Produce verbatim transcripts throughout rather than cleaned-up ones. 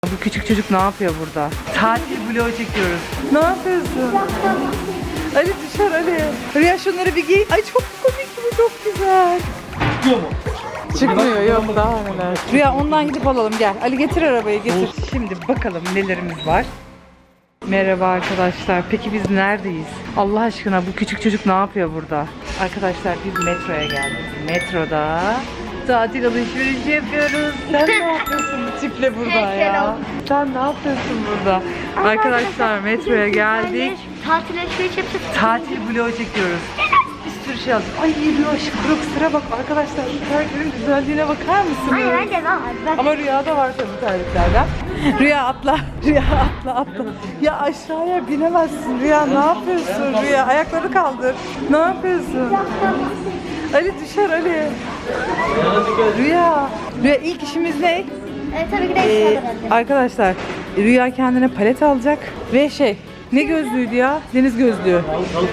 Bu küçük çocuk ne yapıyor burada? Tatil vlogu çekiyoruz. Ne yapıyorsun? Ali dışarı Ali. Rüya şunları bir giy. Ay çok komik bu, çok güzel. Çıkıyor mu? Çıkmıyor, yok daha neler. Rüya ondan gidip alalım, gel. Ali getir arabayı, getir. Şimdi bakalım nelerimiz var. Merhaba arkadaşlar. Peki biz neredeyiz? Allah aşkına bu küçük çocuk ne yapıyor burada? Arkadaşlar biz metroya geldik. Metroda tatil alışverişi yapıyoruz. Sen ne yapıyorsun bu tiple burada ya? Sen ne yapıyorsun burada? Arkadaşlar metroya geldik. Tatil alışveriş yapacağız. Tatil vlogu çekiyoruz. Bir sürü şey aldık. Ay Rüya şu Crocs'lara bak arkadaşlar. Şu terliklerin güzelliğine bakar mısınız? Hayır hadi lan. Ben... Ama Rüya'da var tabii terliklerden. Rüya atla. Rüya atla atla. Ya aşağıya binemezsin Rüya. Ne yapıyorsun Rüya? Ayakları kaldır. Ne yapıyorsun? Ali düşer Ali. Rüya. Rüya ilk işimiz ne? E, tabii ki de Ee, ee, arkadaşlar Rüya kendine palet alacak ve şey ne gözlüğüydü ya? Deniz gözlüğü.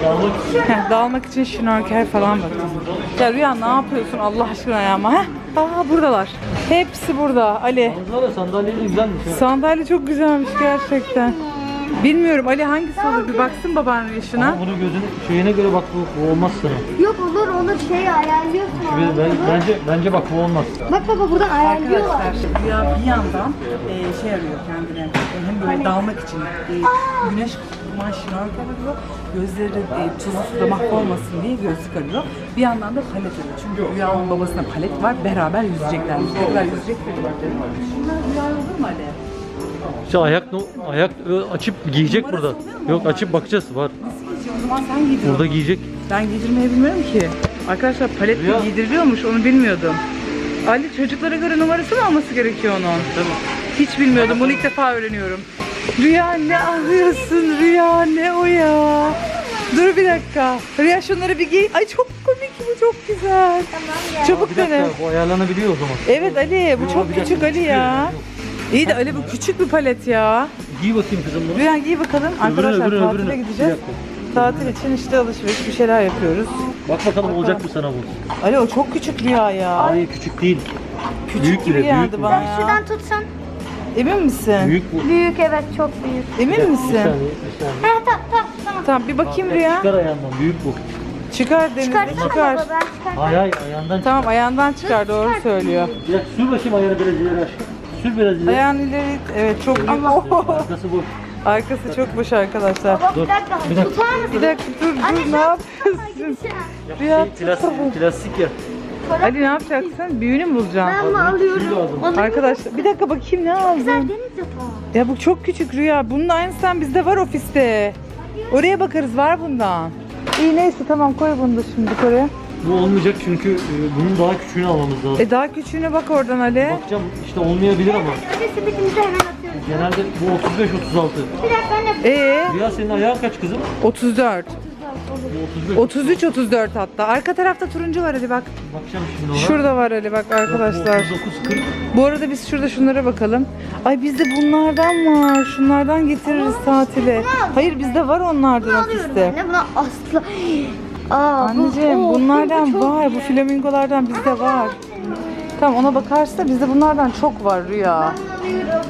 Heh, dağılmak için şnorkel falan baktım. Ya Rüya ne yapıyorsun Allah aşkına ya ama? Heh. Aa buradalar. Hepsi burada Ali. Manzara sandalyeyi güzelmiş. ha. Sandalye çok güzelmiş gerçekten. Bilmiyorum Ali hangisi olur bir baksın baban yaşına. Ama bunu gözün şeyine göre bak bu, bu olmaz sana. Yok olur onu şey ayarlıyorsun. Ben, ben- bence bence bak bu olmaz. Bak baba buradan ayarlıyorlar. Arkadaşlar Rüya bir yandan e, şey arıyor kendine. Hem böyle dalmak için e, güneş kumaş şnorkel arıyor. Gözleri e, tuzlu suda mahvolmasın diye gözlük arıyor. Bir yandan da palet arıyor. Çünkü Rüya'nın babasına palet var. Beraber yüzeceklermiş. Ne kadar yüzecekler. Şunlar Rüya olur mu Ali? İşte ayak ayak e, açıp giyecek Numarası burada. oluyor mu Yok ama? açıp bakacağız var. Nasıl giyecek? O zaman sen giydir. Burada onu. giyecek. Ben giydirmeyi bilmiyorum ki. Arkadaşlar palet Rüya. de giydiriliyormuş onu bilmiyordum. Ali çocuklara göre numarası mı alması gerekiyor onun? Tabii. Hiç bilmiyordum. Bunu ilk defa öğreniyorum. Rüya ne arıyorsun? Rüya ne o ya? Dur bir dakika. Rüya şunları bir giy. Ay çok komik bu, çok güzel. Tamam ya. Çabuk Bir dakika dene. bu ayarlanabiliyor o zaman. Evet Ali bu Yo, çok bir dakika, küçük Ali çıkıyor ya. yani, yok. İyi de Ali bu küçük bir palet ya. Giy bakayım kızım bunu. Rüya giy bakalım. Arkadaşlar öbürünü, tatile öbürünü. gideceğiz. Bir Tatil için işte alışveriş bir şeyler yapıyoruz. Bak bakalım olacak mı sana bu? Ali o çok küçük Rüya ya. Hayır küçük değil. Küçük büyük gibi bile, büyük geldi bu. bana Ben ya. şuradan tutsan. Emin misin? Büyük bu. Büyük evet çok büyük. Emin Bir misin? saniye, bir saniye. Ha tamam tamam tamam. Tamam bir bakayım Rüya. Çıkar ayağından büyük bu. Çıkar Denizli Çıkarsana çıkar. baba ben çıkartayım. Hayır hayır ayağından Tamam ayağından çıkar doğru söylüyor. çık. Bir dakika sür bakayım ayağını biraz ileri aşağı. Sür biraz ileri. Ayağın ileri evet çok büyük. Arkası boş. Arkası çok boş arkadaşlar. Baba Dur, bir dakika. bir dakika. Tutar mısın? Bir dakika dur Anne dur sen ne yapıyorsun? gitsene. Rüya Şey, plastik, plastik ya. Ali ne yapacaksın? Büyüğünü mü bulacaksın? Ben bunu alıyorum. Şunu lazım. Alayım. Arkadaşlar bir dakika bakayım ne aldın? Güzel deniz yatağı. Ya bu çok küçük Rüya. Bunun aynısından bizde var ofiste. Oraya bakarız var bundan. İyi neyse tamam koy bunu da şimdi oraya. Bu olmayacak çünkü e, bunun daha küçüğünü almamız lazım. E daha küçüğüne bak oradan Ali. Bakacağım işte olmayabilir ama. Önce simidimizi hemen atıyoruz. Genelde bu otuz beş otuz altı. Bir dakika anne. Ee Rüya senin ayağın kaç kızım? otuz dört. Bu otuz beş. otuz üç otuz dört hatta. Arka tarafta turuncu var Ali bak. Bakacağım şimdi ona. Şurada var Ali bak arkadaşlar. otuz dokuz kırk. Bu arada biz şurada şunlara bakalım. Ay bizde bunlardan var. Şunlardan getiririz tatile. Hayır bizde var onlardan Alıyorum ofiste. anne buna asla. Aa, bu- Anneciğim Oo, bunlardan çok var. Bu iyi. flamingolardan bizde var. Tamam ona bakarsa bizde bunlardan çok var Rüya. Alıyorum.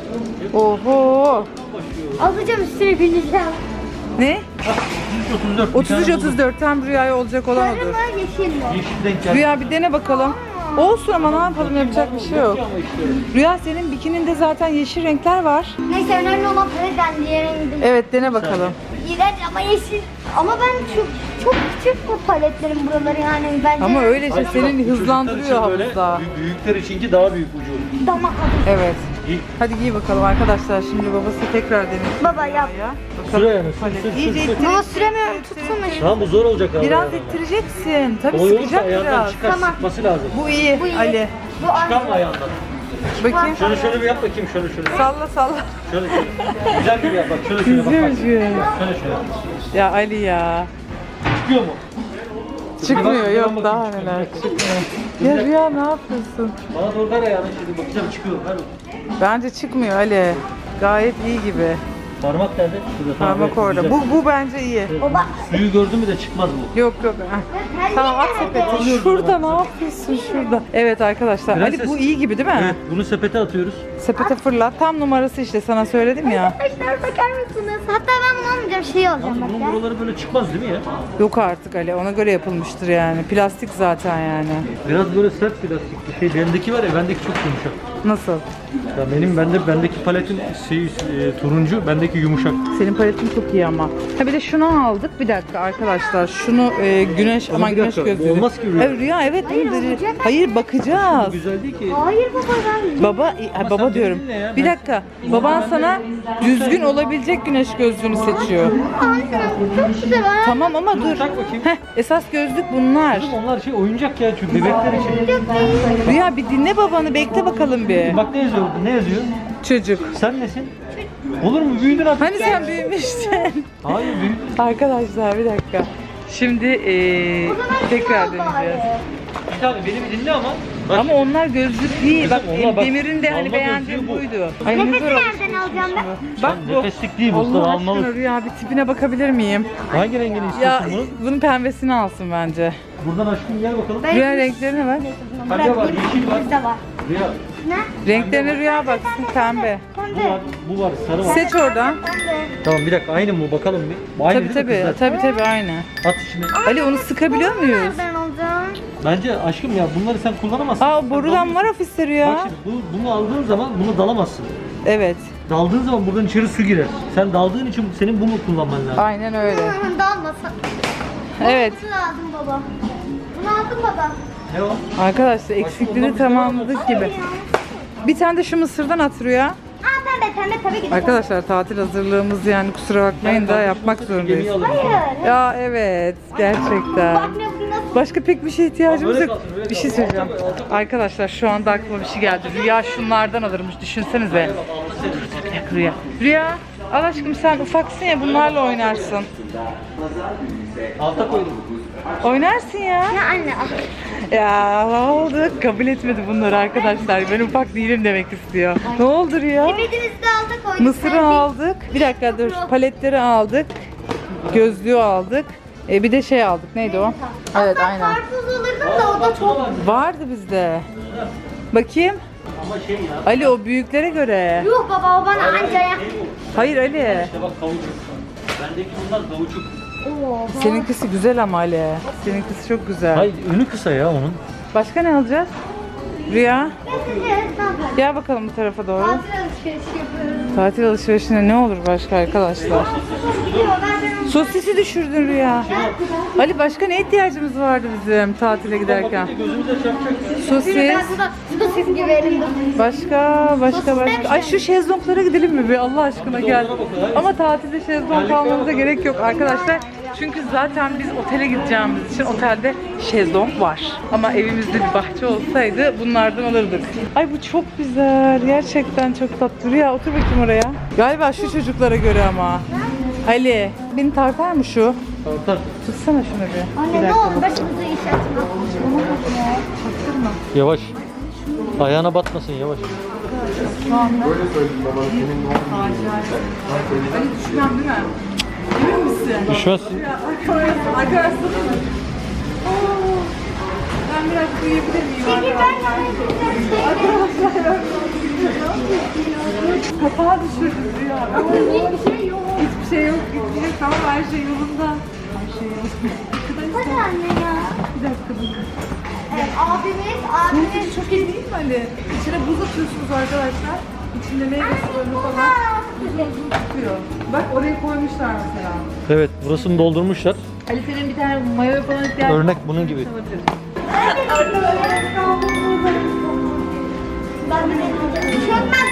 Oho. Alacağım üstüne bineceğim. Ne? otuz dört. otuz üç otuz dört tam Rüya'ya olacak olan Sarı odur. mı yeşil mi? Yeşil denk geldi. Rüya bir dene bakalım. Olsun ama ne yapalım yapacak bir şey yok. Ama işte. Rüya senin bikininde zaten yeşil renkler var. Neyse önemli olan paleten diğer rengim. Evet dene bakalım. İğrenç ama yeşil. Ama ben çok çok küçük bu paletlerin buraları yani bence. Ama öyle şey Bak, seni bu çocuklar hızlandırıyor için böyle, havuzda. büyük- Büyükler içinki daha büyük ucu. damak adı. Evet. İyi. Hadi giy bakalım arkadaşlar. Şimdi babası tekrar deneyecek. Baba yap. Ya. Sür ayağını. Sür, Palet. sür, İyice sür, sür. ittir. Baba süremiyorum tutsana şunu. Tamam bu zor olacak abi. Biraz ittireceksin. Tabii Kolay olursa sıkacak ayağından biraz. çıkar. Tamam. Sıkması lazım. Bu iyi, Bu iyi. Ali. Bu Çıkarma aynı. ayağından. Bakayım. Şöyle şöyle bir yap bakayım şöyle şöyle. Salla salla. Şöyle şöyle. Güzel gibi yap bak şöyle şöyle bak. bak. Güzel. Şöyle şöyle. Ya Ali ya. Çıkıyor mu? Çıkmıyor Bir bak, yok bir daha bakayım, neler çıkıyor. çıkmıyor. Ya Rüya ne yapıyorsun? Bana doğru ver ayağını şimdi bakacağım çıkıyor. Ver. Bence çıkmıyor Ali. Gayet iyi gibi. Parmak nerede? Şurada. Tamam, Parmak evet, orada. güzel. Bu, bu bence iyi. Evet. Baba. Suyu gördün mü de çıkmaz bu. Yok yok. Heh. Tamam at sepeti. Şurada ne yapıyorsun şurada? Evet arkadaşlar. Prenses. Ali bu iyi gibi değil mi? Evet, bunu sepete atıyoruz. Sepete fırlat. Tam numarası işte sana söyledim ya. Arkadaşlar bakar mısınız? Hatta ben bunu almayacağım. Şey alacağım Yalnız bak bunun ya. buraları böyle çıkmaz değil mi ya? Yok artık Ali. Ona göre yapılmıştır yani. Plastik zaten yani. Biraz böyle sert plastik bir şey. Bendeki var ya, bendeki çok yumuşak. Nasıl? Ya benim bende bendeki paletin şey, e, turuncu, bendeki yumuşak. Senin paletin çok iyi ama. Ha bir de şunu aldık. Bir dakika arkadaşlar. Şunu e, güneş aman bir güneş dakika, gözlüğü. olmaz ki Rüya. Evet, Rüya evet. Hayır, Hayır, olacak. Hayır bakacağız. Güzel değil ki. Hayır baba ben. Baba, ha, Ama baba sen diyorum. dedin ne ya? Bir Ben- dakika. Baban sana düzgün olabilecek güneş gözlüğünü seçiyor. Anne bu çok güzel. Ha. Tamam ama dur. Tak bakayım. Heh, esas gözlük bunlar. Kızım onlar şey oyuncak ya, çünkü bebekler için. Rüya bir dinle babanı bekle bakalım bir. Bak ne yazıyor burada, ne yazıyor? Çocuk. Sen nesin? Olur mu? Büyüdün artık. Hani sen büyümüştün. Hayır, büyüdün. Arkadaşlar bir dakika. Şimdi eee, tekrar deneyeceğiz. Bir tane beni bir dinle ama. Bak, Ama onlar gözlük değil. Bak, Kızım, onlar bak, Demir'in de hani alma beğendiği gözlüğü bu. buydu. Ay ne Nefesi zor alışveriş nereden alacağım ben? bu. Bak bu. nefeslik değil bu, usta Allah almalı. aşkına Rüya bir tipine bakabilir miyim? Hangi rengini Ya istiyorsun bunun? bunun pembesini alsın bence. Buradan aşkım gel bakalım. Ben- Rüya renklerine bak. Pembe var, yeşil var. Bizde var. Rüya, Ne? Renklerine Rüya baksın pembe. bu Pembe. var, bu var, sarı var. Seç oradan. Pembe. Tamam bir dakika, aynı mı bakalım bir. Aynı Tabii değil mi tabii. kızlar? Tabii tabii aynı. At içine. Ali onu sıkabiliyor muyuz? Nereden alacağım? Bence aşkım ya, bunları sen kullanamazsın. Aa Sen borudan dalıyorsun. var ofiste Rüya. Bak şimdi bu, bunu aldığın zaman bunu dalamazsın. Evet. Daldığın zaman buradan içeri su girer. Sen daldığın için senin bunu kullanman lazım. Aynen öyle. Hı, Dalmasın. Evet. Bunu lazım baba. Bunu aldım baba. Ne o? Arkadaşlar eksikliğini tamamladık gibi. Bir tane de şu mısırdan at Rüya. Aa pembe pembe tabii ki de. Arkadaşlar tatil hazırlığımız yani kusura bakmayın da yapmak zorundayız. Gemiyi alırız. Hayır. Ya evet gerçekten. Bak ne bu nasıl? Başka pek bir şey ihtiyacımız Böyle yok. kalsın, böyle Bir şey kalsın. söyleyeceğim. Alta koy, alta koy. Arkadaşlar şu anda aklıma bir şey geldi. Rüya şunlardan alırmış düşünsenize. Dur dur bir dakika Rüya. Rüya al aşkım sen ufaksın ya bunlarla oynarsın. Alta koydum. Oynarsın ya. Ya anne al. Ya ne oldu? Kabul etmedi bunları arkadaşlar. Ben ufak değilim demek istiyor. Ne oldu Rüya? Sepetimizi de alta koyduk. Mısırı Ben bir- aldık. Bir dakika dur. Paletleri aldık. Gözlüğü aldık. E, bir de şey aldık. Neydi o? Evet Aslında aynen. karpuz alırdım da o da çok. Vardı bizde. Bakayım. Ama şey ya. Ali o büyüklere göre. Yuh baba o bana anca ya. Hayır Ali. İşte bak kavuçuk. Bendeki bunlar kavuçuk. Oo. Seninkisi güzel ama Ali. Seninkisi çok güzel. Hayır, önü kısa ya onun. Başka ne alacağız? Rüya. Evet, ne yapalım? Gel bakalım bu tarafa doğru. Tatil alışverişi yapıyoruz. Tatil alışverişine ne olur başka arkadaşlar? Gidiyor ben ben onu. Sosisi düşürdün Rüya. Ali başka ne ihtiyacımız vardı bizim tatile giderken? Bakınca gözümüze çarpacak. Sosis. Ben burada sosis gibi elimde. Başka, başka, başka. Ay şu şezlonglara gidelim mi bir Allah aşkına gel. Ama tatilde şezlong almamıza gerek yok arkadaşlar. Çünkü zaten biz otele gideceğimiz için otelde şezlong var. Ama evimizde bir bahçe olsaydı bunlardan alırdık. Ay bu çok güzel. Gerçekten çok tatlı. Rüya otur bakayım oraya. Galiba şu çocuklara göre ama. Ali, beni tartar mı şu? Tartar. Tutsana şunu bir. Anne Bir ne dakika oldu bak. başımıza iş açma. Ona bak ya. Çaktırma. Yavaş. Ayağına batmasın, yavaş. Şu anda. Ali düşmem değil mi? Emin misin? Düşmez. Arkadaşlar, arkadaşlar. Ben biraz uyuyabilir miyim? Peki ben Arkadaşlar. Kapağı düşürdüm ya. hiçbir şey yok. Hiçbir şey yok. Hiçbir şey tamam her şey yolunda. Her şey yolunda. Hadi anne ya. Bir dakika bakın. Evet, abimiz, abimiz. Çok iyi değil mi Ali? İçine buz atıyorsunuz arkadaşlar. İçinde meyve sularını falan Aa, tutuyor. Bak oraya koymuşlar mesela. Evet, burasını doldurmuşlar. Ali senin bir tane mayo falan ihtiyacın Örnek bunun gibi. olabilir. Ben de çökmez.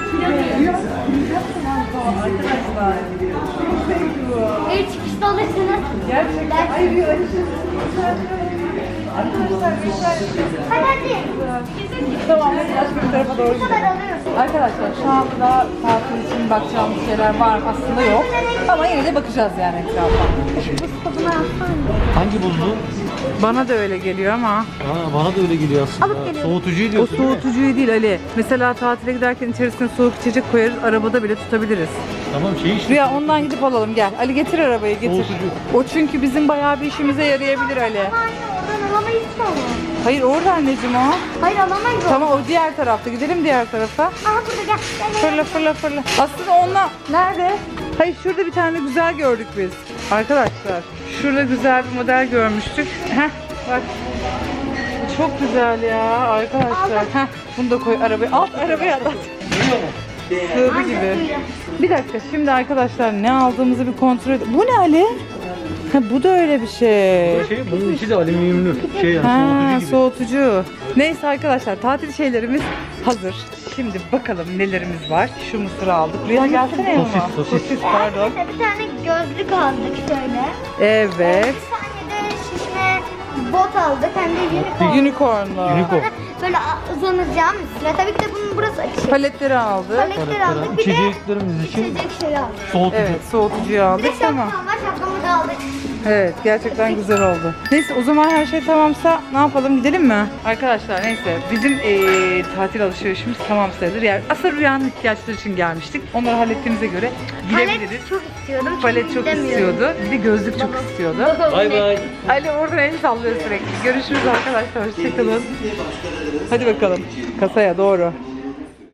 Arkadaşlar. Çok zevkli bu. El çıkışta alırsınız. Gerçekten. Ay bir Ali Hadi hadi. Tamam, başka bir tarafa doğru Bu gidelim. kadar alıyorsun. Arkadaşlar şu anda tatil için bakacağımız şeyler var mı? Aslında yok. Ama yine de bakacağız yani etrafa. Kapıma yapsana. Hangi buzlu? Bana da öyle geliyor ama Aa, bana da öyle geliyor aslında. Alıp geliyorum. Soğutucuyu o diyorsun değil mi? soğutucuyu değil Ali. Mesela tatile giderken içerisine soğuk içecek koyarız. Arabada bile tutabiliriz. Tamam şey işte. Rüya ondan gidip alalım gel. Ali getir arabayı getir. Soğutucu. O çünkü bizim bayağı bir işimize yarayabilir Ali. Ama anne oradan alamayız ki onu. Hayır orada anneciğim o. Hayır alamayız onu. Tamam o diğer tarafta. Gidelim diğer tarafa. Aha burada gel. Gel, gel. Fırla fırla fırla. Aslında onunla nerede? Hayır şurada bir tane güzel gördük biz. Arkadaşlar şurada güzel bir model görmüştük. Heh bak. Bu çok güzel ya arkadaşlar. Heh bunu da koy arabaya. Alt arabaya at. Duyuyor mu? Sığdı Anne, gibi. duyuyor. Bir dakika şimdi arkadaşlar ne aldığımızı bir kontrol edelim. Bu ne Ali? Ha, bu da öyle bir şey. Şey, bunun içi de alüminyumlu. Şey yani Ha, soğutucu gibi. soğutucu. Neyse arkadaşlar tatil şeylerimiz hazır. Şimdi bakalım nelerimiz var. Şu mısırı aldık. Rüya gelsene yanıma. Sosis, sosis. Sosis pardon. Mesela bir tane gözlük aldık şöyle. Evet. Bir tane de şişme bot aldık. Hem de unicorn. Unicorn'lu. Unicorn. Böyle uzanacağım üstüne. Tabii ki de bunun burası açık. Paletleri aldık. Paletler aldık. Bir de İçeceklerimiz için içecek şey aldık. soğutucu. Evet soğutucuyu Bir de aldık şapkam tamam. var. Şapkamı da aldık. Evet gerçekten güzel oldu. Neyse o zaman her şey tamamsa ne yapalım gidelim mi? Arkadaşlar neyse bizim eee, tatil alışverişimiz tamam sayılır. Yani aslında Rüya'nın ihtiyaçları için gelmiştik. Onları hallettiğimize göre gidebiliriz. Palet çok istiyordum. Palet çünkü çok gidemiyorum. istiyordu. Bir de gözlük çok istiyordu. Bay bay. Ali oradan el sallıyor sürekli. Görüşürüz arkadaşlar. Hoşçakalın. Hadi bakalım. Kasaya doğru.